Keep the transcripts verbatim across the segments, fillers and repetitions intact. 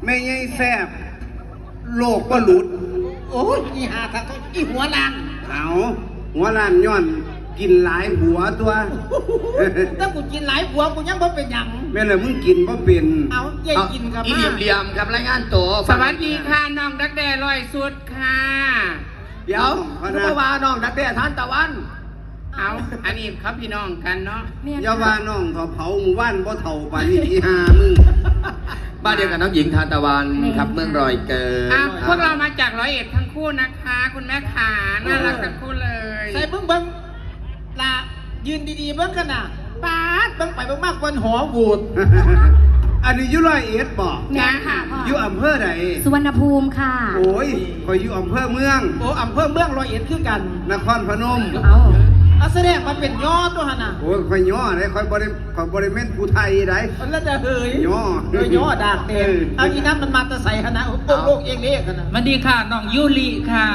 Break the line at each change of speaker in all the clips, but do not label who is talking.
แม่ใหญ่แซ่บโลกก็หลุด
โอ้ยอีหาครับอีหัวลาง
เอาหัวล้านย้อนกินหลายหัวตัว
ถ้ากูกินหลายหัวกูยังบ่เป็นหยัง
แม่เลยมึงกินบ่เป็น
เอาเย่กินกับมา
เหลี่ยมๆกับรายงานตัว
สวัสดีค่ะน้องดักแด้ลอยสุดค่ะ
เดี๋ยวคุณพ่อว่าน้องดักแด้ทานตะวัน
เอาอันนี้ครับพี่น้องกันเนาะ
อย่าว่าน้องเถาเผาหมู่บ้านบ่เฒ่าปานนี้อีห่ามึง
บ้านเดียวกับน้องหญิงทานตะวันครับเมืองรอยเกิด
อ่ะพวกเรามาจากร้อยเอ็ดทั้งคู่นะคะคุณแม่ขาน่ารักทั้งคู่เลย
ใส่เบิ้งเบิ้งละยืนดีๆเบิ้งกันน่ะป๊าดเบิ้งไปเบิ้งมากกว่าหัวบูด
อันนี้อยู่ร้อยเอ็ดบ่
จ้าค่ะ
อยู่อำเภอใด
สุวรรณภูมิค่ะ
โอ้ยคอยอยู่อำเภอเมือง
โอ้อำเภอเมืองร้อยเอ็ดคือกัน
นครพนม
เอา
เอาแสดงมันเป็นย่อตัวหั่นน่ะ
โอ้ยคอยย่อได้คอยบริคอยบริเวณผู้ไทยได้
แล้วจะเฮย
ย่อ
เฮยย่อดากเต็มเอาอีน้ำมันมาตะใส่หั่นน่ะโอ้โลกเองเล็กหั่นน่ะ
สวัสดีค่ะน้องยูริค่ะ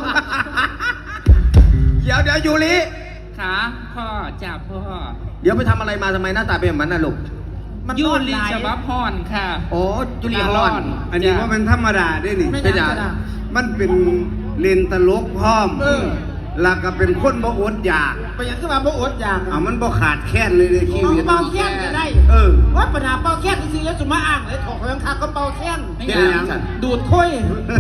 เดี๋ยวเดี๋ยวยูริ
ค่ะพ่อจ่าพ่อ
เดี๋ยวไปทำอะไรมาทำไมหน้าตาเป็นแบบนั้นน่ะลูก
ยูริฉบับพรค่ะ
โอ้ยูริฮอน
อันนี้ว่าเป็นธรรมดาได้นี่
เป็นอย่าง
มันเป็นเลนตลกพร้อมแล้วก็เป็นคนบ่อดอยาก
ไปยังขึ้นมาบ่อดอยาก
เอามันบ่ขาดแค้นเลยในชีวิต
เป่าแค้นจะได้
เออ
ว่าปัญหาเป่าแค้นจริงๆแล้วจุมาอ่างเลยถอกยังคาก็เป่าแค้น
เป็นอย่าง
ดูดค่อย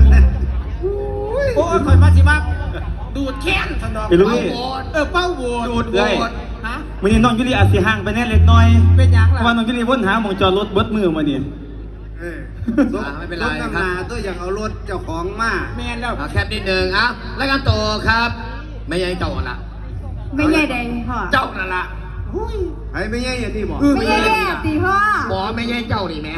โอ้ยคอยมาสิมาดูดแค้นสนอง
เป่าโหด
เออเป่าโหด
ดูดโหด
ฮะ
วันนี้น้องยุรีอาจสิห่างไปแน่เล็กน้อย
เป็นยังล่ะ
ว่าน้องยุรีวนหาหมองจอดรถเบิดมือมาเนี่ย
เออไม่เป็นไรครับตัวอย่างเอารถเจ้าของมา
แม่แล้ว
แคบนิดนึงอ่ะรายงานตัวครับไม่ใช่เจ้าละ
ไม่ใช่แดงพ่อ
เจ้านั่นละ
ไอ้ไม่ใช่อย่างที่บอก
ไม่ใช่ตีพ่อ
บอกไม่ใช่เจ้านี่แม่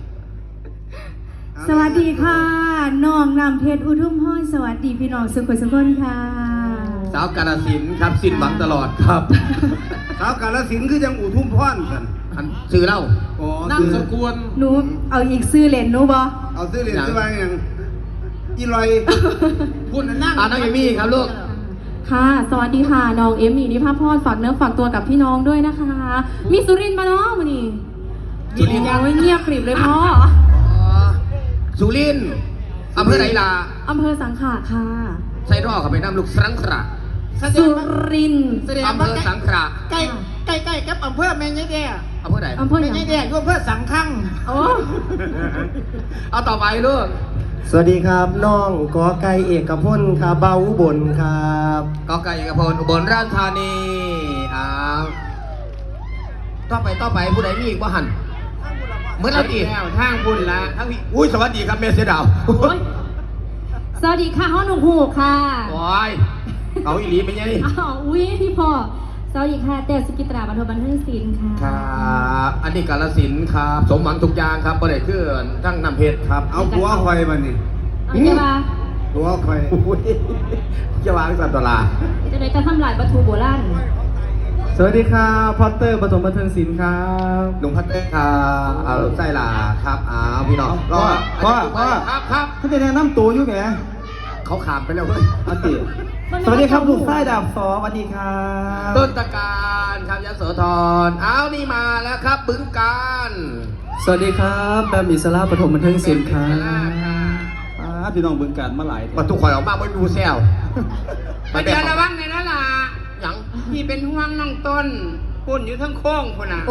สวัสดีค่ะน้องนำเพชรอุทุมพรสวัสดีพี่น้องสุขสุขคนค่ะ
สาวกาฬสินธุ์ครับสิ้นหวังตลอดครับ
สาวกาฬสินธุ์คือยังอุทุมพรกัน
อันซื้อเล่า
อ๋อ
นั่งสกุล
หนูเอาอีกซื้อเลนหนูบ่
เอาซื้อเลนซื้อว่าอย่างอีลอย
พูดนั่ง
อ่าน้องเอมี่ครับลูก
ค่ะสวัสดีค่ะน้องเอมี่นิพาพรฝากเนื้อฝากตัวกับพี่น้องด้วยนะคะมีสุรินทร์มาเนาะวันนี้สุรินทร์ยังไม่เงียบกริบเลยพ่อ
สุรินทร์อำเภอไหนล่ะ
อำเภอสังขะค่ะ
ใส่รอเข้าไปน้ำลูกสังขะ
สุรินทร์
อำเภอสังขะ
ใกล้ใกล้ใกล้กับอำเภอแม่ยายแด่
อำเภอไหน
อำเภอ
แม่ยายแด่อำเภอสังขัง
โอ้
เอาต่อไปลูก
สวัสดีครับน้องกอไก่เอกพลครับเบาอุบลครับ
กอไก่เอกพลอุบลราชธานีอ้าวต่อไปต่อไปผู้ใดมีอีกบ้หันเมื่อไรอีก
ทางบุญละ
ทั้งพี่อุ้ยสวัสดีครับเมสเซดาว
สวัสดีค่ะห้องหนุ่มหูค่ะ
โอ้ยเอาอีหลีเป็นไง
อ้าวอุ้ยพี่พ่อสวัสดีค่ะเต๋อสุกิตราบันเทิงบันเทิงศิลป์ค่ะ
ครับอันนี้กาฬสินธุ์ครับสมหวังทุกอย่างครับประเดี๋ยวคือทั้งน้ำเพชรครับ
เอาหัวคอยมานี่
เอาจะมา
หัวคอย
จะวางสัตว์ตลา
จะได้จะทำลายวัตถุโบราณ
สวัสดีครับพอตเตอร์ปฐมบันเทิงศิลป์ครับ
ลุงพัตเตอร์ครับเอาไส้ลาครับอ้าวพี่น้อง
ก็ก็ก็
ครับครับ
เขาจะแนะนำตัวอยู่ไง
เขาขามไปแล้วเว้ย
อาติสวัสดีครับลูกไส้ดาบสอสวัสดีครับ
ต้นตะการครับยโสธรอ้าวนี่มาแล้วครับบึงการ
สวัสดีครับแบมอิสระปฐมบันเทิงศิลป์ครับพี่น้องบึงการมาหลาย
มาทุกคนออกมาไม่ดูเซล
ไปเดี๋ยวระวังในนั่นล่ะ
ยัง
พี่เป็นห่วงน้องต้นปุ่นอยู่ทั้งโค้งคนน่ะ
โอ้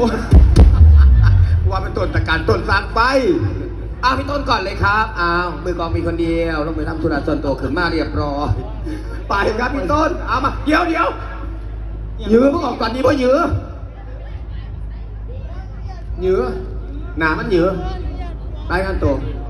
ว่าเป็นต้นตะการต้นสางไปอ้าวพี่ต้นก่อนเลยครับอ้าวมือกองมีคนเดียวต้องไปทำธุระส่วนตัวขึ้นมาเรียบร้อยไปครับพี่ต้นเอามาเดี๋ยวเดี๋ยวยื้อเพิ่งออกก่อนดีเพราะยื้อยื้อหนามันยื้อไปกันตัว